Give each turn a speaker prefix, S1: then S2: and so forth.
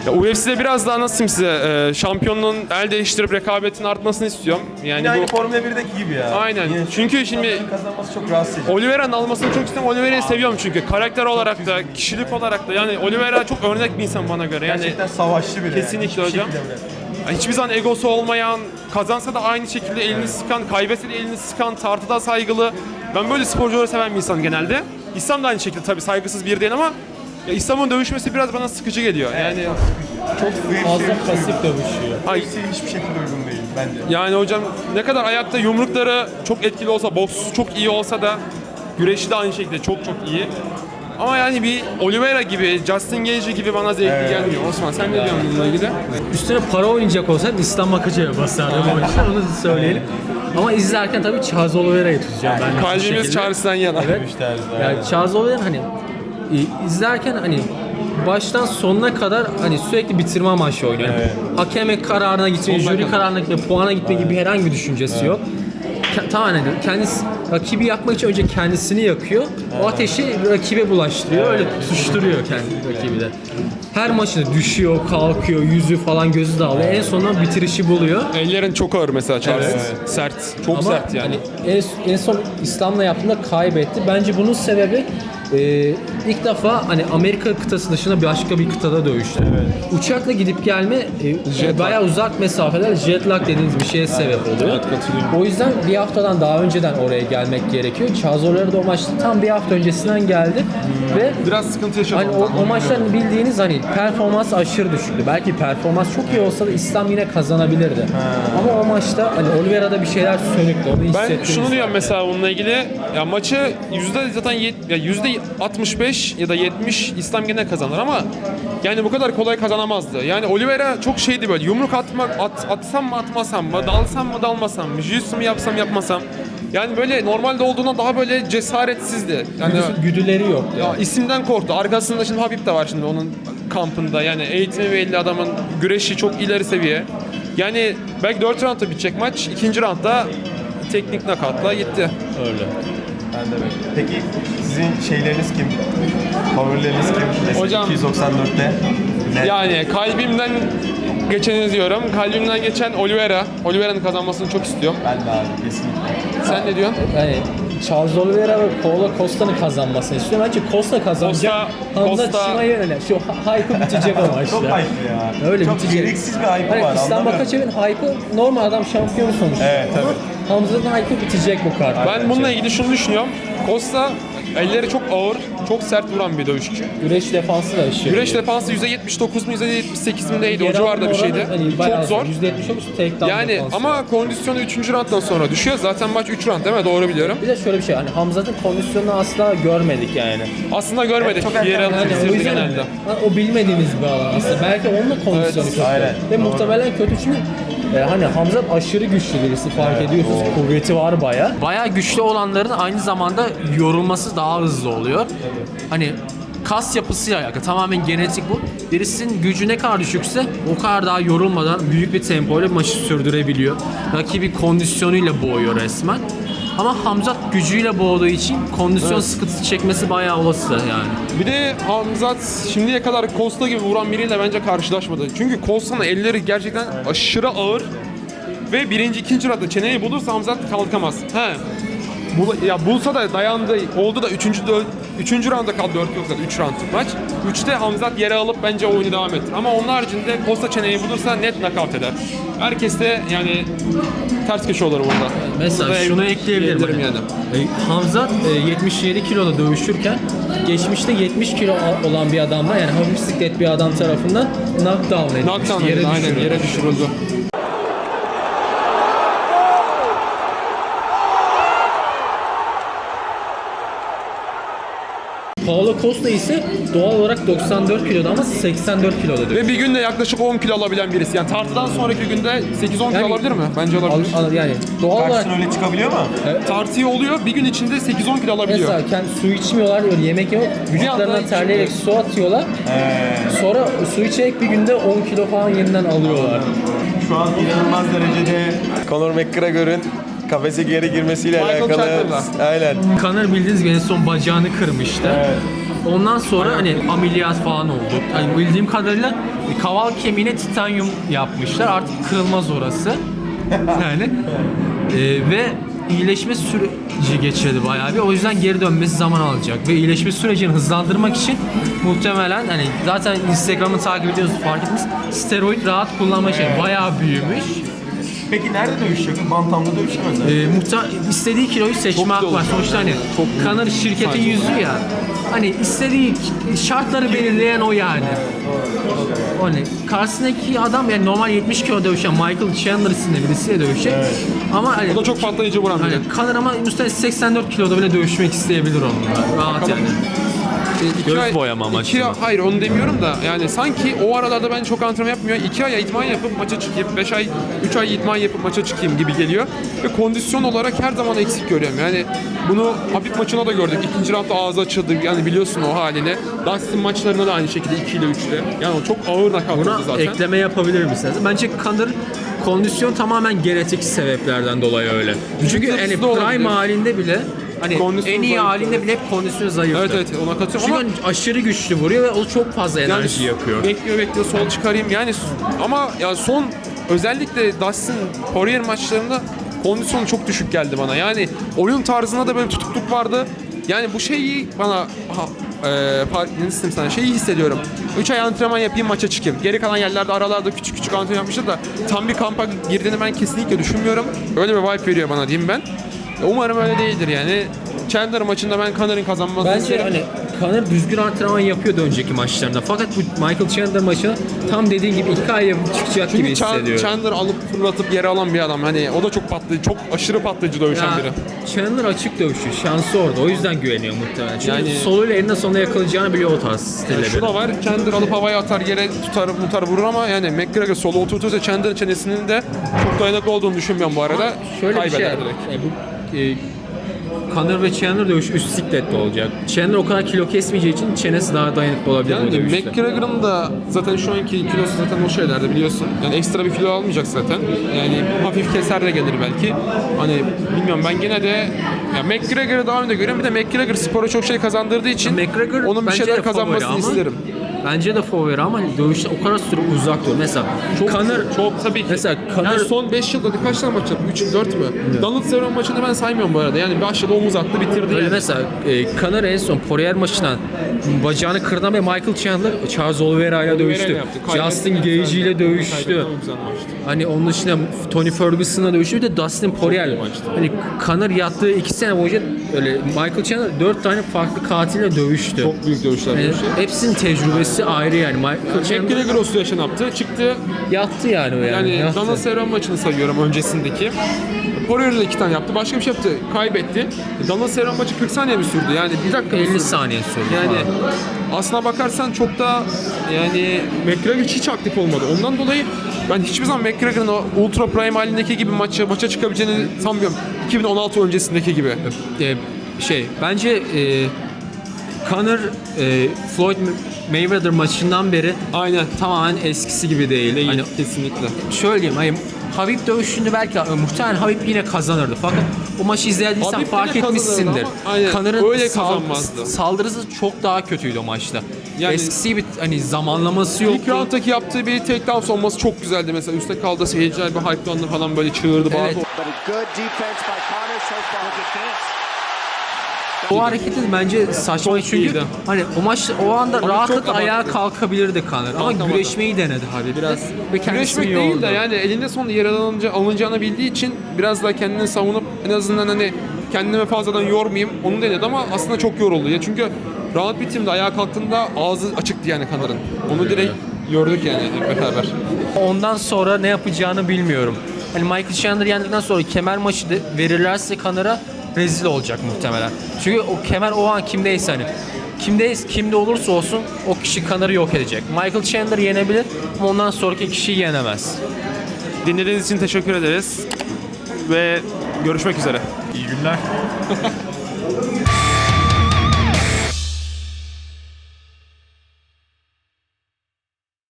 S1: Ya UFC'de biraz daha nasıl size şampiyonluğun el değiştirip rekabetin artmasını istiyorum. Yani
S2: Yine aynı Formula 1'deki gibi ya.
S1: Aynen.
S2: Yine
S1: Çünkü şimdi
S2: kazanması çok rahatsız edici.
S1: Oliveira'nın almasını çok istiyorum. Oliveira'yı seviyorum çünkü. Karakter olarak da, kişilik olarak da. Yani Oliveira çok örnek bir insan bana göre. Yani
S2: Gerçekten savaşçı biri.
S1: kesinlikle
S2: yani.
S1: hocam. Hiçbir zaman egosu olmayan, kazansa da aynı şekilde elini sıkan, kaybetse de elini sıkan, tartıda saygılı. Ben böyle sporcuları seven bir insanım genelde. İslam da aynı şekilde tabii saygısız bir değil ama ya İslam'ın dövüşmesi biraz bana sıkıcı geliyor. Yani
S2: Çok
S3: Fazla pasif dövüşüyor.
S1: ay,
S2: hiçbir şekilde uygun değil bence.
S1: yani hocam ne kadar ayakta yumrukları çok etkili olsa, boksu çok iyi olsa da güreşi de aynı şekilde çok iyi. Ama yani bir Oliveira gibi, Justin Gage gibi bana zevkli gelmiyor. Osman sen ne diyorsun bununla ilgili?
S3: Üstüne para oynayacak olsaydı İslam Makacı'ya basardı bu maçta, onu da söyleyelim. Ama izlerken tabii Charles Oliveira'yı tutacağım ben.
S1: Kalbimiz Charles'tan yana.
S3: Evet. Yani Charles Oliveira hani izlerken hani baştan sonuna kadar hani sürekli bitirme amaçlı oynuyor. Yani hakeme kararına gitme, jüri kararına gitme, puana gitme gibi herhangi bir düşüncesi yok. Tamamen kendisi rakibi yakmak için önce kendisini yakıyor. O ateşi rakibe bulaştırıyor. Öyle tutuşturuyor kendi rakibi de. Her maçında düşüyor, kalkıyor, yüzü falan gözü dağılıyor. En sonunda bitirişi buluyor.
S1: Ellerin çok ağır mesela Charles.
S3: Evet.
S1: Sert. Çok
S3: Ama
S1: sert yani.
S3: hani en son İslam'la yaptığında kaybetti. Bence bunun sebebi ilk defa hani Amerika kıtası dışında başka bir kıtada dövüştü. Uçakla gidip gelme bayağı uzak mesafeler, jet lag dediğiniz bir şeye sebep oluyor. O yüzden bir haftadan daha önceden oraya gelmek gerekiyor. Charles Oliveira da o maçta tam bir hafta öncesinden geldi ve
S1: Biraz sıkıntı yaşadım.
S3: hani o maçların bildiğiniz hani performans aşırı düşüktü. Belki performans çok iyi olsa da İslam yine kazanabilirdi. Ama o maçta hani Oliveira'da bir şeyler sönüktü. Onu
S1: Ben
S3: hissettiniz.
S1: şunu diyorum mesela bununla ilgili. Ya maçı %65 ya da 70 İslam gene kazanır ama yani bu kadar kolay kazanamazdı. Yani Oliveira çok şeydi böyle yumruk atsam mı atmasam mı, dalsam mı dalmasam mı, jiu-jitsu mu yapsam yapmasam. Yani böyle normalde olduğundan daha böyle cesaretsizdi. Yani
S3: Güdüleri yok.
S1: ya isimden korktu. Arkasında şimdi Habib de var şimdi onun kampında. Yani eğitimi belli adamın, güreşi çok ileri seviye. Yani belki 4 roundda bitecek maç. 2. roundda teknik nakatla gitti.
S3: Öyle.
S2: Ben de bekliyorum. Peki sizin şeyleriniz kim? Favorileriniz kim? Mesela
S1: Hocam-
S2: 294'te. Ne?
S1: Yani kalbimden geçeni diyorum. Kalbimden geçen Oliveira. Oliveira'nın kazanmasını çok istiyorum.
S2: Ben de abi kesinlikle.
S1: Sen ne diyorsun?
S3: Yani Charles Oliveira ve Paulo Costa'nın kazanmasını istiyorum. Bence Costa kazanacak. Hamza
S1: Costa-
S3: Chimaev'e öyle. Şu hype'ı bitecek o maçta.
S2: Çok hype ya.
S3: Öyle
S2: çok
S3: bitecek.
S2: gereksiz bir hype
S3: Hani
S2: var.
S3: İslam
S2: anlamıyorum.
S3: Makacev'in hype'ı normal adam şampiyonu sonuçta.
S2: Evet,
S3: Ama Hamza'nın hype'ı bitecek bu kart.
S1: Ben bununla ilgili şunu düşünüyorum. Costa elleri çok ağır, çok sert vuran bir dövüşçü.
S3: Güreş defansı da aşırı.
S1: Güreş defansı %79 mu %78 mi neydi? O
S3: Yer
S1: civarda bir
S3: alma
S1: şeydi.
S3: oranı hani bayağı
S1: Çok zor.
S3: %70 olmuş takedown
S1: Yani
S3: defansı.
S1: ama kondisyonu 3. rounddan sonra düşüyor. Zaten maç 3 round değil mi? Doğru biliyorum.
S3: Bir de şöyle bir şey hani Hamza'nın kondisyonunu asla görmedik yani.
S1: Aslında görmedik.
S2: çok erken
S1: Yer alıp
S3: Yani o
S1: bitirdi
S3: yüzden
S1: genelde.
S3: o bilmediğimiz bir alan aslında. Belki onunla kondisyonu
S1: Evet,
S3: kötü.
S2: aynen.
S3: Ve
S2: Doğru.
S3: muhtemelen kötü çünkü hani Hamza aşırı güçlü birisi fark ediyorsunuz. Kuvveti var baya. Baya güçlü olanların aynı zamanda yorulması daha hızlı oluyor. Hani kas yapısıyla alakalı. Tamamen genetik bu. Birisinin gücü ne kadar düşükse o kadar daha yorulmadan büyük bir tempoyla maçı sürdürebiliyor. Rakibi kondisyonuyla boğuyor resmen. Ama Hamzat gücüyle boğduğu için kondisyon sıkıntısı çekmesi bayağı olası yani.
S1: Bir de Hamzat şimdiye kadar Costa gibi vuran biriyle bence karşılaşmadı. Çünkü Costa'nın elleri gerçekten aşırı ağır ve birinci, ikinci roundda çeneyi bulursa Hamzat kalkamaz. Bulsa da dayandı, oldu da üçüncü rounda kaldı, 4 yok zaten 3 roundluk maç. 3'te Hamzat yere alıp bence oyunu devam ettir. Ama onun haricinde Costa çeneyi bulursa net knockout eder. Herkes de yani ters köşe olur burada.
S3: Mesela
S1: Burada
S3: şunu ekleyebilirim.
S1: diyebilirim yani.
S3: Hamzat 77 kiloda dövüşürken geçmişte 70 kilo olan bir adamla yani hafif siklet bir adam tarafından knockdown edilmişti.
S1: Knockdown edildi, aynen yere düşürüldü.
S3: Paulo Costa ise doğal olarak 94 kiloda ama 84 kiloda dövüşüyor.
S1: Ve bir günde yaklaşık 10 kilo alabilen birisi. Yani tartıdan sonraki günde 8-10 kilo
S3: Yani-
S1: alabilir mi? Bence alabilir.
S3: Yani doğal olarak
S2: Karşısına öyle çıkabiliyor mu?
S1: Tartıyı oluyor, bir gün içinde 8-10 kilo alabiliyor.
S3: mesela kendi su içmiyorlar, öyle yemek yemiyor. Vücutlarına
S1: anda
S3: terleyerek su atıyorlar. Sonra su içerek bir günde 10 kilo falan yeniden alıyorlar.
S2: Şu an inanılmaz derecede Conor McGregor'ın kafese geri girmesiyle
S1: Michael
S2: alakalı.
S1: Chandler'la.
S2: Aynen.
S3: Conor bildiğiniz gibi en son bacağını kırmıştı. Ondan sonra hani ameliyat falan oldu. Hani bildiğim kadarıyla kaval kemiğine titanyum yapmışlar. Artık kırılmaz orası. Yani ve iyileşme süreci geçirdi bayağı bir. O yüzden geri dönmesi zaman alacak. Ve iyileşme sürecini hızlandırmak için muhtemelen hani zaten Instagram'ı takip ediyorsunuz fark ettiniz. Steroid rahat kullanma şey bayağı büyümüş.
S2: Peki nerede dövüşecek? Bantamda dövüşemez yani.
S3: İstediği kiloyu seçme hakkı var. Sonuçta hani Conor şirketin yüzü ya. Hani istediği şartları belirleyen o yani. Hani karşısındaki adam yani normal 70 kilo dövüşen Michael Chandler isimli birisiyle dövüşecek. Ama hani
S1: O da çok patlayıcı vuran biri.
S3: hani Conor ama muhtemelen 84 kiloda bile dövüşmek isteyebilir onunla. Rahat yani. Göz boyama maçı.
S1: Hayır onu demiyorum da yani sanki o aralarda ben çok antrenman yapmıyor. 2 ay idman yapıp maça çıkayım, 3 ay idman yapıp maça çıkayım gibi geliyor. Ve kondisyon olarak her zaman eksik görüyorum. Yani bunu Habib maçına da gördük. İkinci roundda ağzı açıldı. Yani biliyorsun o halini. Dustin maçlarında da aynı şekilde 2 ile 3'te. Yani o çok ağır nakavtıydı
S3: Buna
S1: zaten.
S3: ekleme yapabilir misiniz? Bence Conor kondisyon tamamen genetik sebeplerden dolayı öyle. Çünkü
S1: Vücut
S3: hani
S1: yapısı da
S3: prime
S1: olabilir.
S3: halinde bile hani
S1: Kondisyon
S3: en iyi
S1: zayıf.
S3: halinde bile hep kondisyon zayıftı.
S1: Evet ona katılıyorum
S3: Çünkü
S1: ama
S3: hani aşırı güçlü vuruyor ve o çok fazla enerji yakıyor.
S1: Bekliyor sol çıkarayım yani ama ya son özellikle Dustin Poirier maçlarında kondisyonu çok düşük geldi bana. Yani oyun tarzında da böyle tutukluk vardı. Yani bu şeyi bana ne istedim sana şeyi hissediyorum. 3 ay antrenman yapayım maça çıkayım. Geri kalan yerlerde aralarda küçük antrenman yapmışlar da tam bir kampa girdiğini ben kesinlikle düşünmüyorum. Öyle bir vibe veriyor bana diyeyim ben. Umarım öyle değildir yani. Chandler maçında ben Conor'ın kazanmasını
S3: Bence
S1: isterim.
S3: hani Conor düzgün antrenman yapıyordu önceki maçlarında. Fakat bu Michael Chandler maçına tam dediğin gibi 2 ay yapıp çıkacak gibi
S1: Çünkü
S3: hissediyorum.
S1: Chandler alıp fırlatıp yere alan bir adam. Hani o da çok patlayıcı, çok aşırı patlayıcı dövüşen
S3: Ya,
S1: biri.
S3: Chandler açık dövüşüyor. Şansı orada. O yüzden güveniyor muhtemelen. Çünkü
S1: Yani-
S3: soluyla eninde sonunda yakalayacağını biliyor o tarz stille.
S1: Şu da var, Chandler alıp havaya atar, yere tutar vurur ama yani McGregor solu oturtursa Chandler'ın çenesinin de çok dayanıklı olduğunu düşünmüyorum bu arada.
S3: Şöyle bir şey.
S1: Kaybeder direkt.
S3: Conor ve Chandler dövüşü üst siklette olacak. Chandler o kadar kilo kesmeyeceği için çenesi daha dayanıklı olabilir bu
S1: Yani
S3: dövüşte.
S1: McGregor'ın da zaten şu anki kilosu zaten o şeylerde biliyorsun. Yani ekstra bir kilo almayacak zaten. Yani hafif keser de gelir belki. Hani bilmiyorum ben gene de ya McGregor'ı daha önde görüyorum. Bir de McGregor spora çok şey kazandırdığı için
S3: McGregor
S1: onun bir
S3: bence de
S1: şeyler
S3: favori
S1: kazanmasını
S3: ama-
S1: isterim.
S3: Bence de favori ama dövüşte o kadar süre uzak duruyor. Mesela
S1: Çok tabii ki.
S3: Mesela Conor
S1: Yani son 5 yılda kaç tane maç yaptı? 3 4 mü? Donald Cerrone maçını ben saymıyorum bu arada. Yani başladı omuz attı bitirdi
S3: öyle
S1: yani.
S3: mesela Conor en son Poirier maçına bacağını kırdan ve Michael Chandler Charles Oliveira ile dövüştü.
S1: yaptı.
S3: Justin Gage ile dövüştü.
S1: Kaybetme güzel maçtı.
S3: Hani onun dışında Tony Ferguson'la dövüştü. Bir de Dustin Poirier. Hani Conor yattığı 2 sene boyunca öyle Michael Chandler 4 tane farklı katille dövüştü.
S1: Çok büyük dövüşler
S3: Yani
S1: dövüşü.
S3: hepsinin tecrübesi ayrı yani. Michael Chandler
S1: McGregor o süreçten yaptı. Çıktı.
S3: yattı yani o yani.
S1: Yani
S3: yattı.
S1: Donald Cerrone maçını sayıyorum öncesindeki. Poirier'le 2 tane yaptı. Başka bir şey yaptı. Kaybetti. Donald Cerrone maçı 40 saniye mi sürdü? Yani bir dakika mı
S3: 50
S1: sürdü?
S3: saniye sürdü
S1: Yani
S3: falan.
S1: aslına bakarsan çok da yani McGregor hiç aktif olmadı. Ondan dolayı ben hiçbir zaman McGregor'ın o ultra prime halindeki gibi maça çıkabileceğini sanmıyorum. 2016 öncesindeki gibi.
S3: Bence Conor Floyd Mayweather maçından beri
S1: Aynen.
S3: tamamen eskisi gibi değil. Hani
S1: Kesinlikle.
S3: şöyle diyeyim, hani Habib dövüşünde belki muhtemelen Habib yine kazanırdı fakat o maçı izlediysen
S1: Habib
S3: fark
S1: yine kazanırdı
S3: etmişsindir.
S1: ama aynen,
S3: Connor'ın
S1: öyle kazanmazdı.
S3: saldırısı çok daha kötüydü o maçta.
S1: Yani-
S3: Eskisi gibi hani zamanlaması yoktu.
S1: İlk round'daki yaptığı bir takedown savunması çok güzeldi mesela. Üste kaldı seyirciler bir hype'landı falan böyle çığırdı bağırdı.
S3: Evet.
S4: But a good defense by Conor so far. Look at this.
S3: O hareketi bence saçma çünkü
S1: iyiydi.
S3: hani o maç o anda
S1: Ama
S3: rahatlıkla
S1: çok abarttı.
S3: ayağa kalkabilirdi Conor ama
S1: Kalkamadı.
S3: güreşmeyi denedi Habib biraz ve kendisini
S1: Güreşmek değil
S3: yordu.
S1: de yani elinde sonunda yer alınacağını bildiği için biraz daha kendini savunup en azından hani kendimi fazladan yormayayım onu denedi ama aslında çok yoruldu. Ya çünkü round bitimde ayağa kalktığında ağzı açıktı yani Conor'ın. Onu direkt gördük yani hep beraber.
S3: Ondan sonra ne yapacağını bilmiyorum. Hani Michael Chandler yendikten sonra kemer maçı verirlerse Conor'a rezil olacak muhtemelen. Çünkü o kemer o an kimdeyse hani kimde olursa olsun o kişi Conor'ı yok edecek. Michael Chandler yenebilir ama ondan sonraki kişiyi yenemez.
S5: Dinlediğiniz için teşekkür ederiz ve görüşmek üzere.
S2: İyi günler.